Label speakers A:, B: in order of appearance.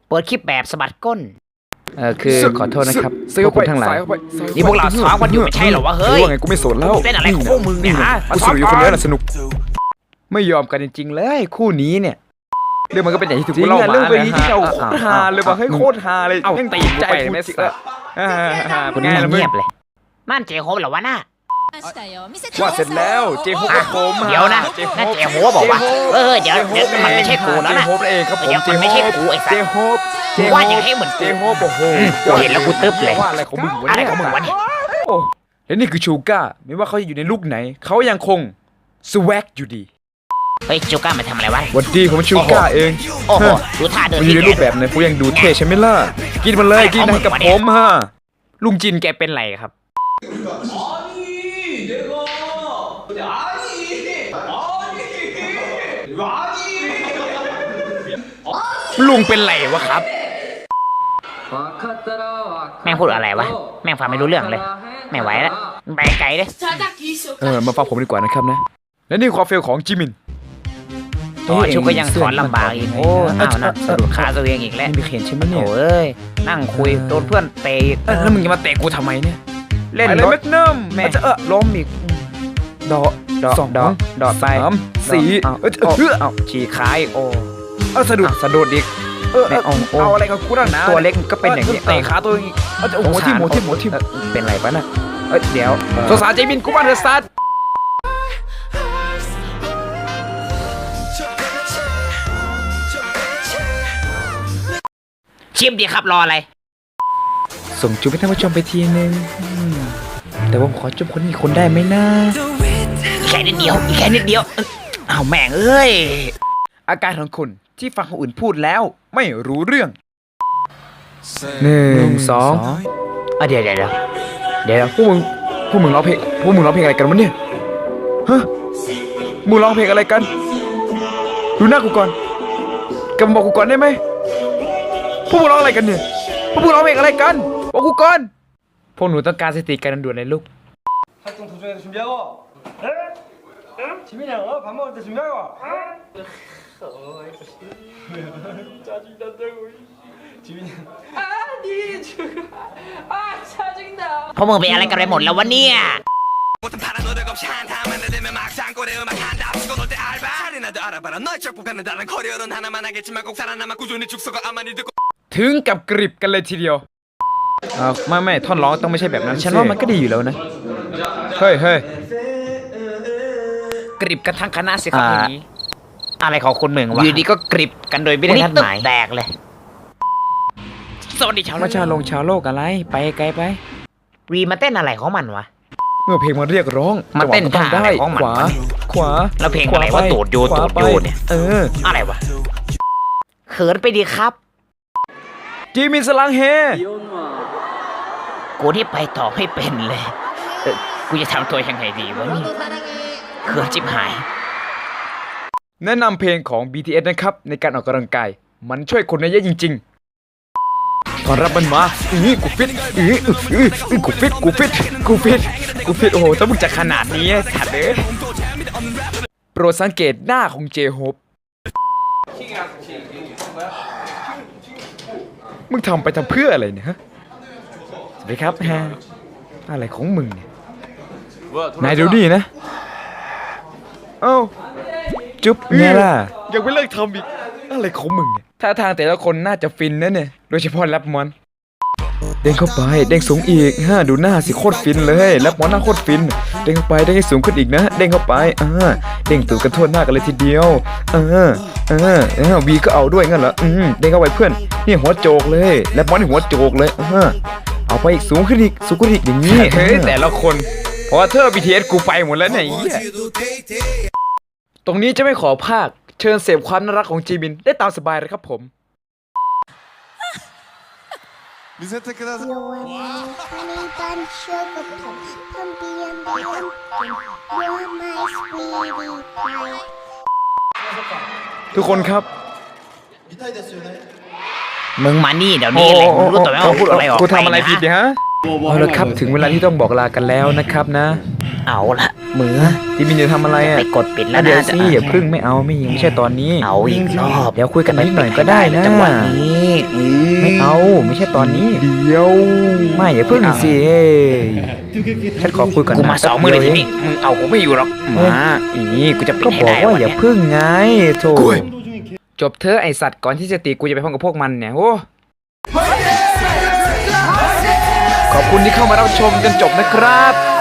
A: เปิดคลิปแบบสะบัดก้น
B: คือขอโทษนะครับพวกคุณทั้งหลาย
A: นี่พวกเราซ้อมกันอยู่ไม่ใช่เหรอวะเฮ้ย
B: ว่าไงกูไม่สนแล้ว
A: เล่นอะไรของพวกมึงเนี่ยฮะ
B: กูสนุกอยู่คนเดียวน่ะสนุกไม่ยอมกันจริงๆเลยคู่นี้เนี่ยเรื่องมันก็เป็นอย่างที่ถูกเล่ามาเรื่องนี้ที่เราโคตรฮาเลยว่ะเฮ้ยโคตรฮาเลยยังตีใจกูไม่สิ
A: คุณนี่เงียบเลยนั่นเจโฮปเหรอวะน่ะ
B: ว่าเสร็จแล้วเจโฮปกับผม
A: เดี๋ยวนะนั่นเจโฮปบอกว่าเดี๋ยวมันไม่ใช่กูแล้วนะ
B: เจโฮปเองครับผม
A: เจไม่ใช่กูไอ้สัส
B: เจโฮป
A: ว่าอย่างให้เหมือน
B: เจโฮปโอ้โห
A: เห็นแล้วกูตึ๊บเลย
B: ว่าอะไรของมึงวะ
A: อะไรของมึงวะเนี่ย
B: โอ้และนี่คือชูก้าไม่ว่าเขาจะอยู่ในลุคไหนเขายังคงสวักอยู่ดี
A: เฮ้ยจูก้ามาทำอะไรวะ
B: วันดีผมชูก้าเอง
A: โอ้โหดูท่าเดิน
B: อยู่ในรูปแบบไหนผมยังดูเท่ใช่ไหมล่ะกินมันเลยกินให้กับผมฮะลุงจินแกเป็นไรครับลุงเป็นไรวะครับ
A: แม่งพูดอะไรวะแม่งฟังไม่รู้เรื่องเลยไม่ไหวแล้วไปไกลเลย
B: มาฟังผมดีกว่านะครับนะและนี่ความเฟลของจิมิน
A: ชุกก็ยังสอนลำบากอีกโอ้น่าสะดุดขาตัวเองอีกแล้ว
B: ไม่เห็นใช่ไหมเนี่ย
A: โอ้ยนั่งคุยโดนเพื่อนเตะ
B: แล้วมึงจะมาเตะกูทำไมเนี่ย
A: เล่น
B: รถแมกนัมแม่จะล้มอีกสองดอดไปสี่
A: ฉีกขายโอ้
B: สะดุดอีกเอาอะไรกับกูนั่งนะ
A: ตัวเล็กก็เป็นอย่างนี้
B: เตะขาตัวอีกหัวทิ่ม
A: เป็นไรปะน่ะ
B: เดี๋ยวสงสารเจมินกูบ้านเธอซัด
A: ชิมดีครับรออะไร
B: ส่งจุ๊บให้ท่านผู้ชมไปทีนึงแต่ผมขอจุ๊บคนนี้คนได้ไหมนะ
A: แค่นิดเดียวเอาแม่งเอ้ย
B: อาการของคุณที่ฟังคนอื่นพูดแล้วไม่รู้เรื่อง1 2
A: เดี๋ยว
B: พวกมึงร้องเพลงอะไรกันวะเนี่ยฮะมึงร้องเพลงอะไรกันดูหน้ากูก่อนกำบอกกูก่อนได้ไหมพวกมึงร้องอะไรกันเนี่ยพวกมึงร้องเพลงอะไรกันบอกกูก่อนพวกหนูต้องการสติการด่วนเลยลูก
C: 지민이 형, 밥 먹을 때 준비하고 와. 짜증난다고. 지민이 형.
D: 아니 죽어. 아 짜증나.
A: พวกมึงเป็นอะไรกันไปหมดแล้ววะเนี่ย
B: ถึงกับกริบกันเลยทีเดียวไม่ท่อนร้องต้องไม่ใช่แบบนั้นฉันว่ามันก็ดีอยู่แล้วนะเฮ้ย
A: กริบกันทั้งคณะสิครับอย่างนี้อะไรของคุณมึงวะอยู่ดีก็กริบกันโดยไม่ได้นัดหมายแตกเลยสวัสดีชาว
B: โลกอะไรไปไกลไป
A: วีมาเต้นอะไรของมันวะ
B: เมื่อเพลงมันเรียกร้อง
A: มาเต้นท่าอะไรของมัน
B: ขวา
A: แล้วเพลงอะไรว่าตูดโยเนี่ยอะไรวะเขินไปดีครับ
B: จีมินสลังเฮ
A: กูที่ไปต่อไม่เป็นเลยกูจะทำตัวยังไงดีวะนี่เขินจิบหาย
B: แนะนำเพลงของ BTS นะครับในการออกกำลังกายมันช่วยคนได้เยอะจริงๆตอนรับมันมากูฟิตโอ้โหถ้ามึงจะขนาดนี้สัตว์เลยโปรดสังเกตหน้าของเจโฮปมึงทำไปทำเพื่ออะไรเนี่ยฮะสวัสดีครับอะไรของมึงเนี่ยนายดูดินะจุ๊บเนี่ยล่ะยังไม่เลิกทำอีกอะไรของมึงเนี่ยท่าทางแต่ละคนน่าจะฟินนะเนี่ยโดยเฉพาะแรปมอนเด้งเข้าไปเด้งสูงอีกดูหน้าสิโคตรฟินเลยแรปมอนหน้าโคตรฟินเด้งเข้าไปเด้งให้สูงขึ้นอีกนะเด้งเข้าไปเด้งตูดกันทั่วหน้ากันเลยทีเดียววีก็เอาด้วยงั้นเหรอเด้งเข้าไปเพื่อนนี่หัวโจกเลยแรปมอนนี่หัวโจกเลยเอาไปอีกสูงขึ้นอีกอย่างนี้เฮ้ยแต่ละคนเพราะว่าเธอ BTS กูไปหมดแล้วเนี่ยตรงนี้จะไม่ขอภาคเชิญเสพความน่ารักของจีมินได้ตามสบายเลยครับผมทุกคนครับ
A: มึงมานี่เดี๋ยวนี้เลยมึงรู้ตัวไหมว่าพูดอะไรออกไป
B: กูทำอะไรผิดเนี่ยฮะเอาละครับถึงเวลาที่ต้องบอกลากันแล้วนะครับนะ
A: เอาละเหมือ
B: ที่มินจะทำอะไรอ่ะ
A: ไปกดปิดแล้ว
B: เดี๋ยว
A: นะ
B: สิอย่าพึ่งไม่เอาไม่ใช่ตอนนี้
A: เอาอีกรอบ
B: เดี๋ยวคุยกันนิดหน่อยก็ได้นะ
A: จังหวะนี้
B: ไม่เอาไม่ใช่ตอนนี้เดี๋ยวไม่อย่าพึ่งสิฉันขอคุยก่อน
A: กู
B: นะ
A: มา2 มือเลยทีนี้มึงเอากูไม่อยู่หรอกมาอีกูจะปิด
B: ก็
A: ให้
B: บอก
A: ได้
B: ว่า
A: วัน
B: อย่า
A: เนี้ย
B: พึ่งไงโธ่จบเธอะไอสัตว์ก่อนที่จะตีกูจะไปพ้องกับพวกมันเนี่ยโอ้ขอบคุณที่เข้ามารับชมจนจบนะครับ